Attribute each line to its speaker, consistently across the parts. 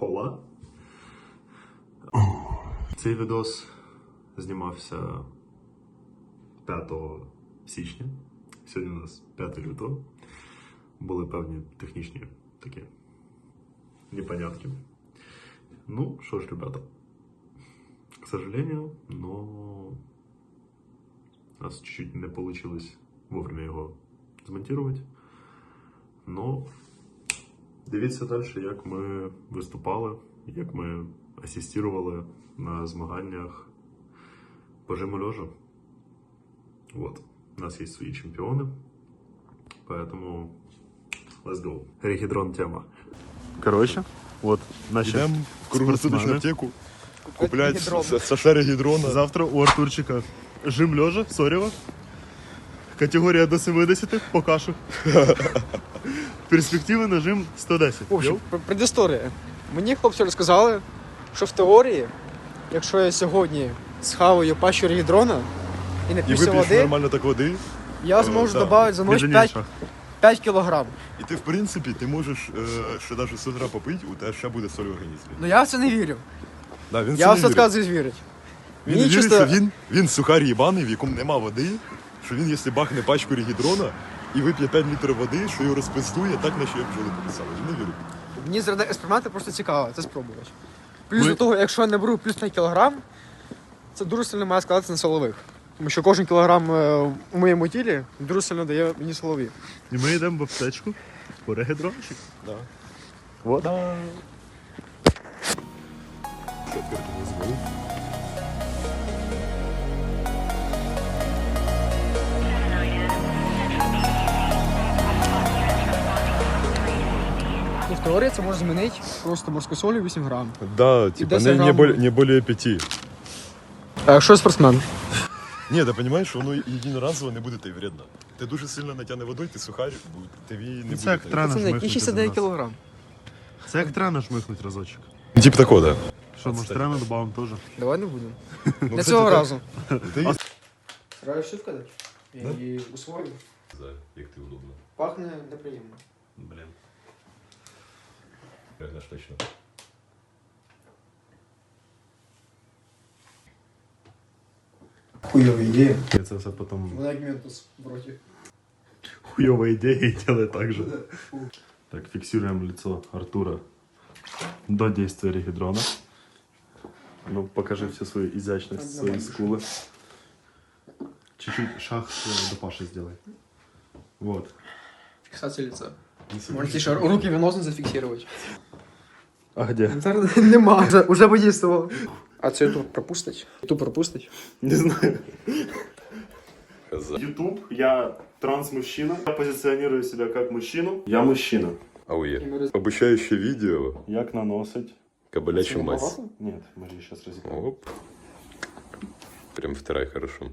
Speaker 1: Хола. Цей відос знімався 5 січня. Сьогодні у нас 5 лютого. Були певні технічні такі непонятки. Ну, что ж, ребята, к сожалению, но у нас чуть-чуть не получилось вовремя його змонтувати. Но дивіться далі, як ми виступали, як ми асистували на змаганнях по жиму лежа. Вот. У нас есть свои чемпионы, поэтому let's go. Регидрон тема. Короче, вот наши
Speaker 2: Йдемо в круглосуточну аптеку, купляти
Speaker 3: Регідрон.
Speaker 2: Саша Регідрона.
Speaker 1: Завтра у Артурчика жим лежа, Сорєва. Категорія до 70 по кашу. Перспективи на жим 110.
Speaker 3: В общем, предісторія. Мені хлопці розказали, що в теорії, якщо я сьогодні схаваю пащу регідрона і
Speaker 2: І
Speaker 3: нап'юся
Speaker 2: вип'єш
Speaker 3: води,
Speaker 2: нормально так води.
Speaker 3: я зможу
Speaker 2: да.
Speaker 3: додати за ніч 5 кілограм.
Speaker 2: І ти, в принципі, ти можеш ще навіть з утра попити, у тебе ще буде соль в організмі.
Speaker 3: Ну я в це не вірю.
Speaker 2: Да, він
Speaker 3: Я
Speaker 2: в
Speaker 3: все
Speaker 2: це не вірить.
Speaker 3: відказуюсь вірити.
Speaker 2: Він не вірить, що він сухар їбаний, в якому нема води, що він, якщо бахне пачку регідрона і вип'є 5 літрів води, що його розпиздує, так наші бджоли пописали. Він не вірить.
Speaker 3: Мені заради експерименту просто цікаво це спробувати. Плюс до того, якщо я не беру плюс 5 кілограм, це дуже сильно має складатися на силових. Тому що кожен кілограм у моєму тілі дуже сильно дає мені силові.
Speaker 1: І ми йдемо в аптечку по регідрончик.
Speaker 2: Да.
Speaker 1: Вот.
Speaker 2: Четверть не звонив.
Speaker 3: І в теорії це може змінити просто морську солі 8 грам.
Speaker 2: Да, типа
Speaker 3: 10
Speaker 2: не,
Speaker 3: грамм.
Speaker 2: не более 5.
Speaker 3: А якщо я спортсмен?
Speaker 2: Ні, ти розумієш, що воно єдиноразово не буде тобі вредно. Ти дуже сильно натягне водою, ти сухар, тобі не буде.
Speaker 1: Це як
Speaker 2: тобі.
Speaker 1: трана
Speaker 3: Це не які
Speaker 1: жмихнуть
Speaker 3: 69
Speaker 1: один раз.
Speaker 3: кілограм.
Speaker 1: Це як трана жмихнуть разочок.
Speaker 2: Ну, типа такого, да.
Speaker 1: Що, може трана добавимо теж?
Speaker 3: Давай не будемо.
Speaker 2: Ну,
Speaker 3: Для
Speaker 2: кстати,
Speaker 3: цього
Speaker 2: так.
Speaker 3: разу.
Speaker 2: Ти...
Speaker 3: Сразу все сказати? Я її усвою.
Speaker 2: Як ти удобно.
Speaker 3: Пахне неприємно.
Speaker 1: Блін.
Speaker 2: Знаєш точно.
Speaker 3: Хуйова ідея.
Speaker 1: Я це все потім...
Speaker 3: Вона як ментус в роті.
Speaker 1: Хуёвая идея и делай так же. Так, фиксируем лицо Артура до действия регидрона. Ну, покажи всю свою изящность, свои скулы. Чуть-чуть шаг до Паши сделай. Вот.
Speaker 3: Фіксація лица. Можете ще руки веносно зафіксувати.
Speaker 1: А где?
Speaker 3: Зараз нема. Уже подействував. А це тут пропустить? Тут пропустить?
Speaker 1: Не знаю. YouTube, я транс-мужчина. Я позиционирую себя как мужчину. Я мужчина.
Speaker 2: Ауе. Обучаюче відео.
Speaker 1: Як наносить?
Speaker 2: Кабелячу мазь.
Speaker 1: Нет, мы же сейчас разыграем.
Speaker 2: Оп. Прям втирай хорошо.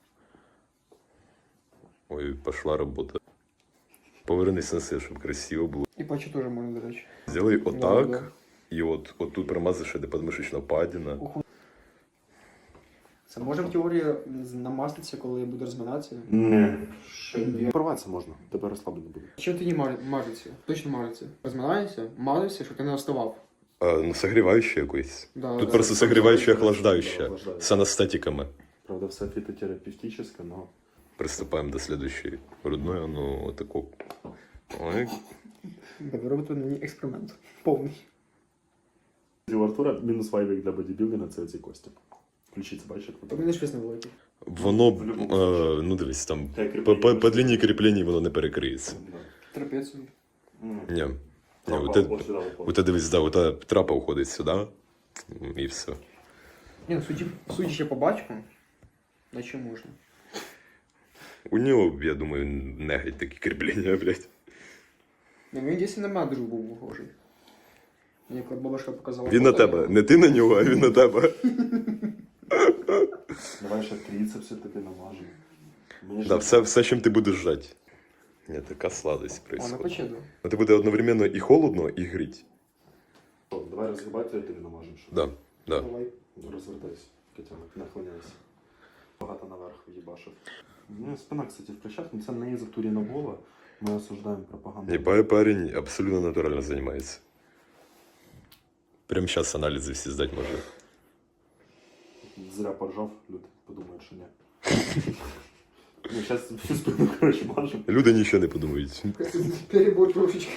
Speaker 2: Ой, пошла работа. Повернись на себе, щоб красиво було.
Speaker 3: І пачу теж можна, до речі.
Speaker 2: Сделай отак.
Speaker 3: Да.
Speaker 2: І от тут промазиш, де подмишечна падіна.
Speaker 3: Це може в теорії намаститися, коли буде розминатися?
Speaker 1: Не.
Speaker 3: Ні.
Speaker 1: Порватися можна, тебе розслаблено буде.
Speaker 3: Чим тоді мажеться? Точно мажеться. Розминаєшся, мажешся, щоб ти не вставав.
Speaker 2: Ну, согріваюче якось.
Speaker 3: Да,
Speaker 2: Тут
Speaker 3: да.
Speaker 2: просто согріваюче, охлаждаюче.
Speaker 1: Охлаждаюче.
Speaker 2: З анестетиками.
Speaker 1: Правда, все фитотерапевтическое, но...
Speaker 2: Приступаємо до следующей. Грудної, ну, отаку. Ой.
Speaker 3: Ви робите мені експеримент. Повний.
Speaker 1: У Артура мінус вайвік для бодібілдинга – це ці кості. Ключиці, бачиш?
Speaker 3: У мене швидко не великий.
Speaker 2: Воно, ну дивись, там, по длині кріплення воно не перекриється.
Speaker 3: Трапецію.
Speaker 2: Ні. У тебе дивись, да, у тебе трапа уходить сюди, і все.
Speaker 3: Ні, ну судячи по бачку, наче можна.
Speaker 2: У нього, я думаю, не геть такі кріплення, блядь.
Speaker 3: Ні, він дійсно на мене дуже був похожий. Мені коли бабушка показала
Speaker 2: Він на
Speaker 3: фото,
Speaker 2: тебе. Не ти на нього, а він на тебе.
Speaker 1: Давай ще трицепси тобі намажемо.
Speaker 2: Да, все, чим ти будеш жати. Ні, така сладость
Speaker 3: А, на
Speaker 2: происходит.
Speaker 3: почеду.
Speaker 2: Це буде одновременно і холодно, і гріть.
Speaker 1: Давай розгибати, я тобі намажемо.
Speaker 2: Да, да.
Speaker 3: Давай.
Speaker 1: Розвертайся, Катяна, наклоняйся. Багато наверх в'їбашив. Ну, спина, кстати, в плечах, но це не із-за Туріногола. Ми осуждаємо пропаганду.
Speaker 2: Ебай парень абсолютно натурально займається. Прямо зараз аналізи всі здати можна.
Speaker 1: Зря поржав, люди подумають, що ні. Ну, зараз всю спину, коротше, мажемо.
Speaker 2: Люди нічого не подумають.
Speaker 3: Перебор трошечки.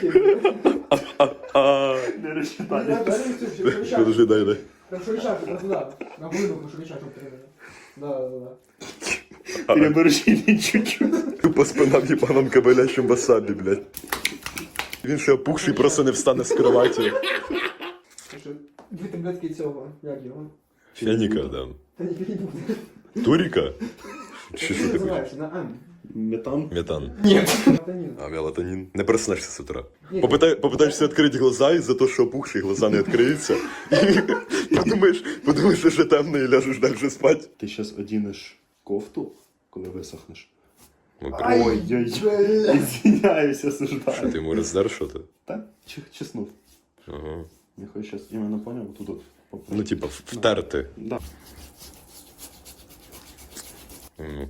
Speaker 1: Не розчитали.
Speaker 2: Подожди, дай.
Speaker 3: Хорошо решать, это туда. На глину, хорошо решать. Да.
Speaker 1: Переборщили чуть-чуть.
Speaker 2: Тупо спина в їбаному кабелячому васабі, блядь. Він ще опухший, просто не встане з кроваті.
Speaker 3: Дві таблетки цього, як його?
Speaker 2: Феніка, да.
Speaker 3: Та ні, не буде.
Speaker 2: Туріка? Чи що ти хочеш?
Speaker 3: Називається, на М.
Speaker 1: Метан.
Speaker 2: Метан.
Speaker 3: Ні. Мелатонін.
Speaker 2: А, мелатонін. Не проснешся з утра.
Speaker 3: Ні.
Speaker 2: Попитаєшся відкрити глаза, і за те, що опухші, глаза не відкриються. І подумаєш, що ще темно, і ляжеш далі спати.
Speaker 1: Ти зараз одінеш кофту, коли висохнеш.
Speaker 2: Ой,
Speaker 1: Извиняюсь,
Speaker 2: що
Speaker 1: осуждаю.
Speaker 2: ти йому роздер, що ти?
Speaker 1: Так, чеснув.
Speaker 2: Ага.
Speaker 1: Я хочу зараз іменно поняв, тут от.
Speaker 2: Ну, типа, втерти.
Speaker 1: Да.
Speaker 2: Ну.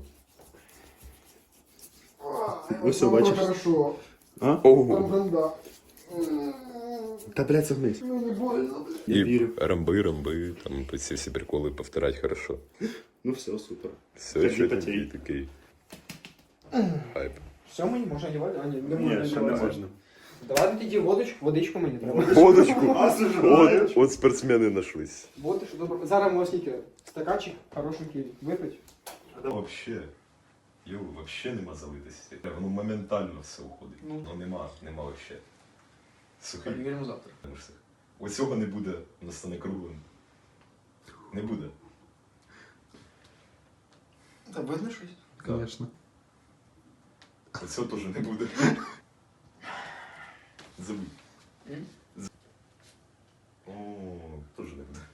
Speaker 1: Ось все, бачиш?
Speaker 3: Хорошо.
Speaker 1: А?
Speaker 2: Ого.
Speaker 3: Банда.
Speaker 1: Та, блядь, согнись.
Speaker 3: Ну не больно.
Speaker 1: Я
Speaker 2: І
Speaker 1: вірю.
Speaker 2: рамби, там ці всі приколи повторять хорошо.
Speaker 1: Ну все, супер.
Speaker 2: Все,
Speaker 1: Тоді
Speaker 2: що
Speaker 1: потій.
Speaker 2: ти такий. Хайп.
Speaker 3: Все, мені можна одягати? А, ні, не
Speaker 1: Ні,
Speaker 3: можна
Speaker 1: ще не
Speaker 3: одягати.
Speaker 1: можна.
Speaker 3: Давай тоді водичку мені треба.
Speaker 2: Водочку.
Speaker 1: Осуждаю.
Speaker 2: От спортсмени нашлись.
Speaker 3: Водичку, добре. Зараз ми скільки? Стаканчик хорошенький випить.
Speaker 2: Вообще. Вообще нема залитості. Воно моментально все уходить.
Speaker 3: Ну.
Speaker 2: Нема вообще. Сухий.
Speaker 3: Перевіримо завтра.
Speaker 2: Ось цього не буде, воно стане круглим. Не буде.
Speaker 3: Та видно щось?
Speaker 1: Конечно.
Speaker 2: Ось цього теж не буде. Забудь. О, теж не буде.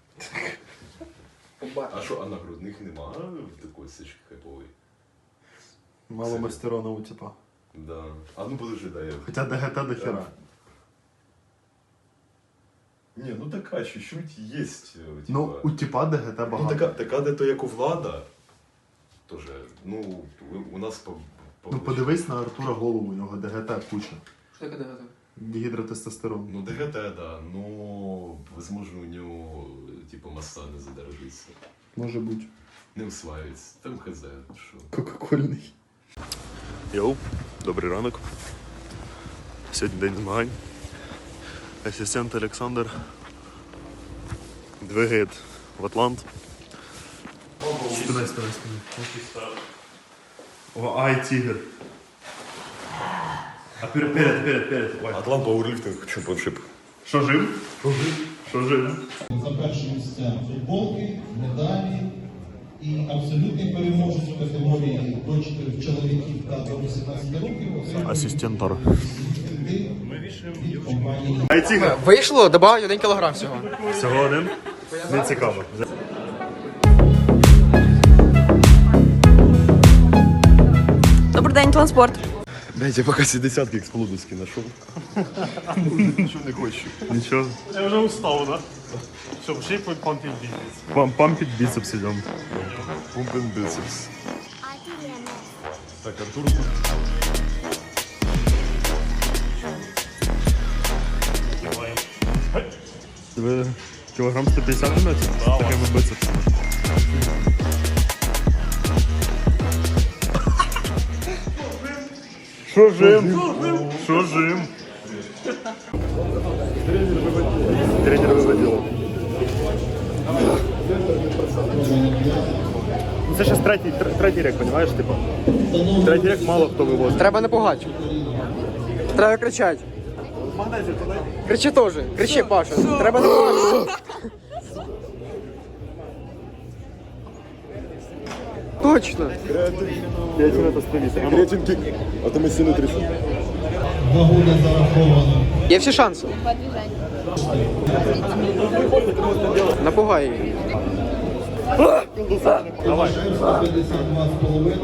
Speaker 2: А що, а на грудних нема такої сички хайпової?
Speaker 1: Мало мастерона у типа.
Speaker 2: Да. А ну подожди, дай я.
Speaker 1: Хоча ДГТ до хера.
Speaker 2: Не, ну така чуть-чуть есть. Типа...
Speaker 1: Ну, у типа ДГТ
Speaker 2: Ну,
Speaker 1: багато.
Speaker 2: така де то як у Влада. Тоже, ну, у нас
Speaker 1: Ну подивись на Артура голову, у нього ДГТ куча.
Speaker 3: Що таке ДГТ?
Speaker 1: Гідротестостерон.
Speaker 2: Ну, ДГТ, да, но, возможно, у него, типа, масса не задержится.
Speaker 1: Може бути.
Speaker 2: Не усваюється. Там хз, що.
Speaker 1: Кока-кольний. Йоу, добрий ранок. Сьогодні день змагань. Асистент Олександр двигає в Атлант. Спинай. О, ай, тигр. А перед. Ой.
Speaker 2: Атлант Пауэрлифтинг чемпіоншип.
Speaker 1: Що жив? Що жив?
Speaker 4: За перші місця футболки, медалі і абсолютний переможець в категорії до 4 чоловіків та до 18 років.
Speaker 1: Асистентор.
Speaker 4: Від компанії
Speaker 1: Ай, тигр.
Speaker 3: Вийшло, добавив 1 кілограм всього.
Speaker 1: Всього один? Не цікаво.
Speaker 5: Добрий день, Тланспорт.
Speaker 2: Блять, я поки ці десятки експлодовські знайшов. Нічого не хочу.
Speaker 1: Нічого.
Speaker 6: Я вже устав, да? Що, пошли помпить бізнес.
Speaker 1: Пампить біцепс ідемо.
Speaker 2: Пумпен бицепс. Так, Артур.
Speaker 1: Ви кілограм 150 жмете? З такими бицепсами. Що жим? Що жим? Тренер виводив. Це ще третій рік, розумієш, типу? Третій рік мало хто вивозить.
Speaker 3: Треба не пугати. Треба кричати. Кричи теж. Кричи, Паша. Треба не пугати. Точно.
Speaker 1: 5 минут остановиться.
Speaker 2: Кретин кік. А то ми сіли 300.
Speaker 4: вагу не зараховано.
Speaker 3: Є всі шанси. Напугай її.
Speaker 1: Давай.
Speaker 4: 52,5.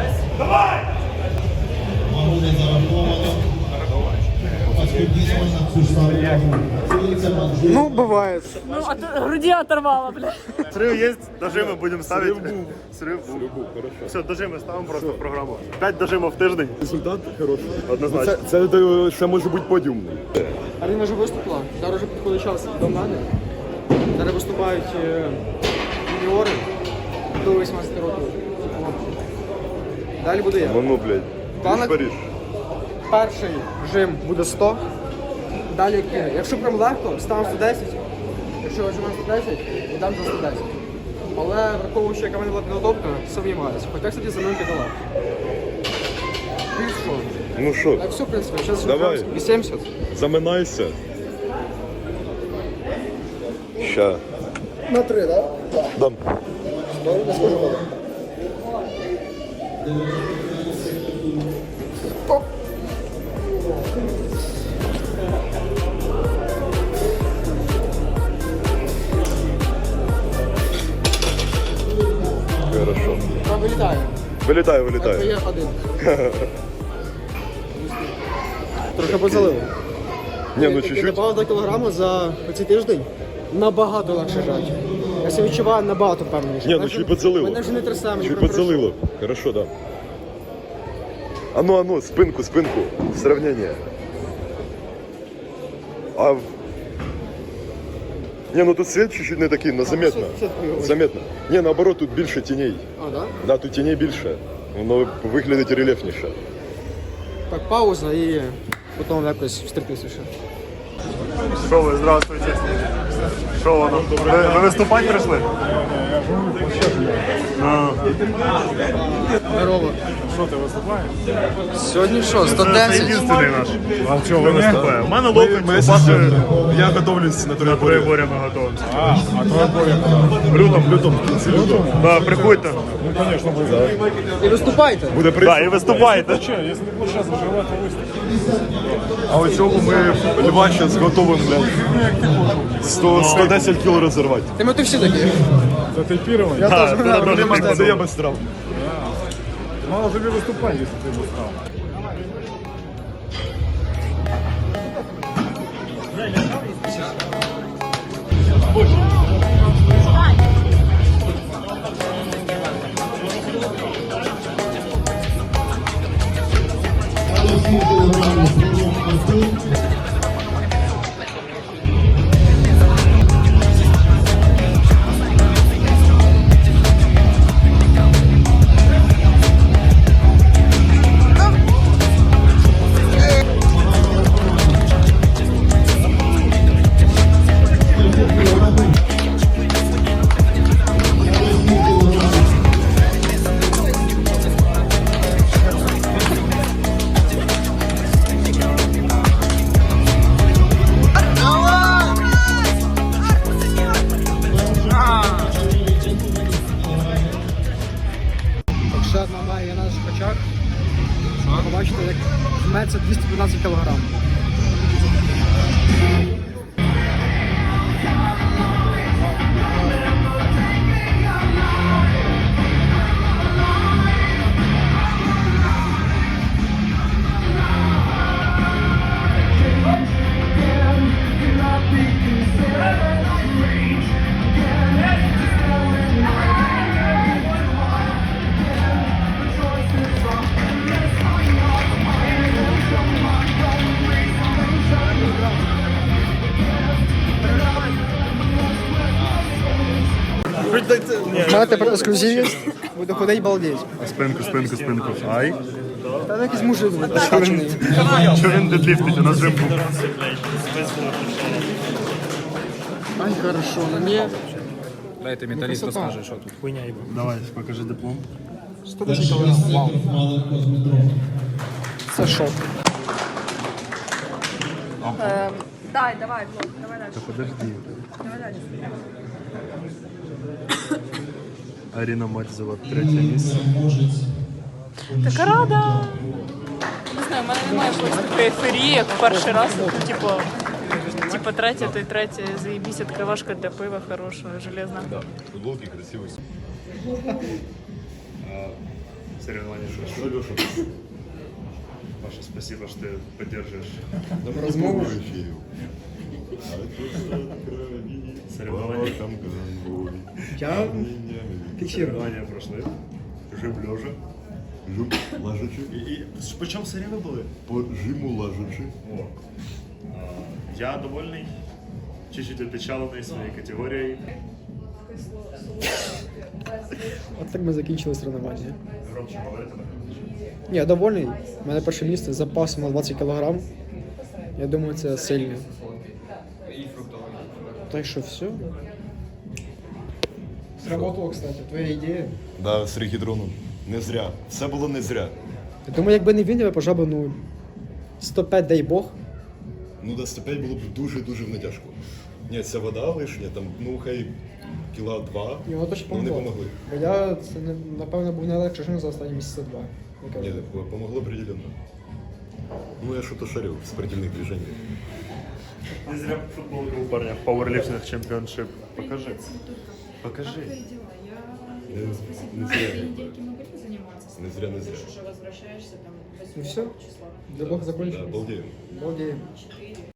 Speaker 4: Вагу не зараховано. Оскільки можна цю ж саму вагу. Це Манжур.
Speaker 3: Ну, буває.
Speaker 5: Ну, а то груди оторвало, бля.
Speaker 1: Срыв есть, дожимы будем ставить. Срыв був. Все, дожимы ставимо просто в програму. 5 дожимів в тиждень.
Speaker 2: Результат хороший.
Speaker 1: Однозначно.
Speaker 2: Це може бути подіумний.
Speaker 3: Арина вже виступила, зараз вже підходить час до мене. Зараз виступають юніори до 18 років. Далі буду я.
Speaker 2: Ну, блядь.
Speaker 3: Планок?
Speaker 2: Париж.
Speaker 3: Перший жим буде 100. Далі кине. Якщо прям легко, ставимо 110. Якщо жимемо 110, йдемо за 110. Але враховуючи, яка в мене була підготовка, сумніваюся. Хоча, кстати, за мною піддала. І що?
Speaker 2: Ну що,
Speaker 3: Так все, в принципі, зараз
Speaker 2: Давай.
Speaker 3: 80.
Speaker 2: заминайся. Ща.
Speaker 3: На 3, так?
Speaker 2: Дам.
Speaker 3: Не скажу коли.
Speaker 2: Хорошо.
Speaker 3: Там вилітає.
Speaker 2: Вилітаю,
Speaker 3: Так,
Speaker 2: вилітаю.
Speaker 3: є один. Трохи позалив.
Speaker 2: Ні, ну
Speaker 3: Я
Speaker 2: чуть-чуть.
Speaker 3: добавив 2 кілограми за цей тиждень. Набагато легше жати. Я себе відчуваю набагато впевненіше.
Speaker 2: Ні, ну
Speaker 3: Мене
Speaker 2: чуть
Speaker 3: вже-
Speaker 2: підзалило.
Speaker 3: Мене вже не трясе, мені
Speaker 2: Чуть
Speaker 3: прям
Speaker 2: подзалило. Хорошо, да. Ану, спинку, спинку. Сравнение. Не, ну тут свет чуть-чуть не такий, но заметно.
Speaker 3: свет хуйовий.
Speaker 2: Заметно. Не, наоборот, тут більше тіней.
Speaker 3: А, да?
Speaker 2: Да, тут тіней більше. Воно виглядить рельєфніше.
Speaker 3: Так, пауза і потім якось встрітися ще.
Speaker 1: Що ви, здравствуйте. Що воно? Ви виступати прийшли?
Speaker 3: Здорово.
Speaker 6: Що ти виступаєш?
Speaker 3: Сьогодні що,
Speaker 1: Це
Speaker 3: 110?
Speaker 1: єдиний наш.
Speaker 6: А чого
Speaker 1: Ви
Speaker 6: ви не?
Speaker 1: виступає. У мене локоть, у Паші
Speaker 2: Я готовлюсь на
Speaker 1: на
Speaker 2: троєборі.
Speaker 1: троєборі ми готуємося.
Speaker 6: А твоя боя коли?
Speaker 1: В лютому. Да, приходьте.
Speaker 6: Ну, звісно, буде.
Speaker 3: І виступайте.
Speaker 2: Буде
Speaker 1: Да,
Speaker 2: приз.
Speaker 1: і виступайте.
Speaker 6: Че, якщо не будеш зараз виживати, то виступ.
Speaker 2: А у цьому ми льва зараз готовим, блядь. 110 кіл розірвати.
Speaker 3: Ти всі такі.
Speaker 6: Затейпірований?
Speaker 3: Я
Speaker 1: Да,
Speaker 3: теж
Speaker 1: це
Speaker 3: знаю,
Speaker 1: дуже
Speaker 3: нема
Speaker 1: прикольно.
Speaker 2: Це я без страв.
Speaker 6: Мало тобі виступати, якщо ти не став.
Speaker 3: Ще одна вага є на наших очах. Побачите, як жметься 215 кг. У мене тепер ексклюзивність. Буде ходити балдеть.
Speaker 1: Спинку. Ай.
Speaker 3: Та якийсь мужик накачаний.
Speaker 1: Що він дедліфтить? У нас жим був.
Speaker 3: Ай, хорошо, на мені
Speaker 7: Дайте металіст розкаже, що тут.
Speaker 6: Хуйня їба. Давай, покажи диплом.
Speaker 3: 110 кг. Вау.
Speaker 4: Маленько з метро.
Speaker 3: Це шок.
Speaker 5: Давай, Влад, давай дальше.
Speaker 1: Подожди.
Speaker 5: Давай дальше.
Speaker 1: Аріна Мальцева, 3-е місце.
Speaker 5: Така рада. Не знаю, в мене немає якоїсь такої ейфорії, як в перший раз. Ну, типу третє, то й третє. Заєбісь, відкривашка для пива хорошого, железна.
Speaker 2: Футболки красиві.
Speaker 1: Соревновання що?
Speaker 2: Що, Леша?
Speaker 6: Паша, спасибо, что ты поддерживаешь
Speaker 3: Розмову.
Speaker 6: соревнования.
Speaker 3: Я фіксирую.
Speaker 6: Соревнования прошли. Жим лежа.
Speaker 2: Жим лежачи.
Speaker 6: И почем соревнования были?
Speaker 2: По жиму лежачи.
Speaker 6: О. Я довольный, чуть-чуть опечаленный своей категорией.
Speaker 3: От так ми закінчили тренування.
Speaker 6: Громче говорите, да?
Speaker 3: Ні, я довольний. У мене перше місце з запасом на 20 кг. Я думаю, це сильно. Так що все. Сработало, кстати, твоя ідея.
Speaker 2: Да, з регідроном. Не зря. Все було не зря.
Speaker 3: Я думаю, якби не він, я б пожав би, ну, 105, дай Бог.
Speaker 2: Ну, до 105 було б дуже-дуже натяжко. Ні, ця вода лишня, там, ну, хай кіла 2,
Speaker 3: І воно точно
Speaker 2: ну, не
Speaker 3: помогло.
Speaker 2: помогли.
Speaker 3: Бо я, це, напевно, був найлегший жим за останні місяці 2.
Speaker 2: Ні, помогло определенно. Ну, я что-то шарю в спортивных движениях.
Speaker 6: Не зря футболка у парня. Powerlifting Championship. Покажи. Покажи.
Speaker 2: Не зря. Не зря, не зря.
Speaker 8: Уже возвращаешься там 8
Speaker 3: Ну все,
Speaker 8: числа.
Speaker 3: для Бога
Speaker 2: Да,
Speaker 3: закончилось.
Speaker 2: обалдеем.
Speaker 3: Балдеем.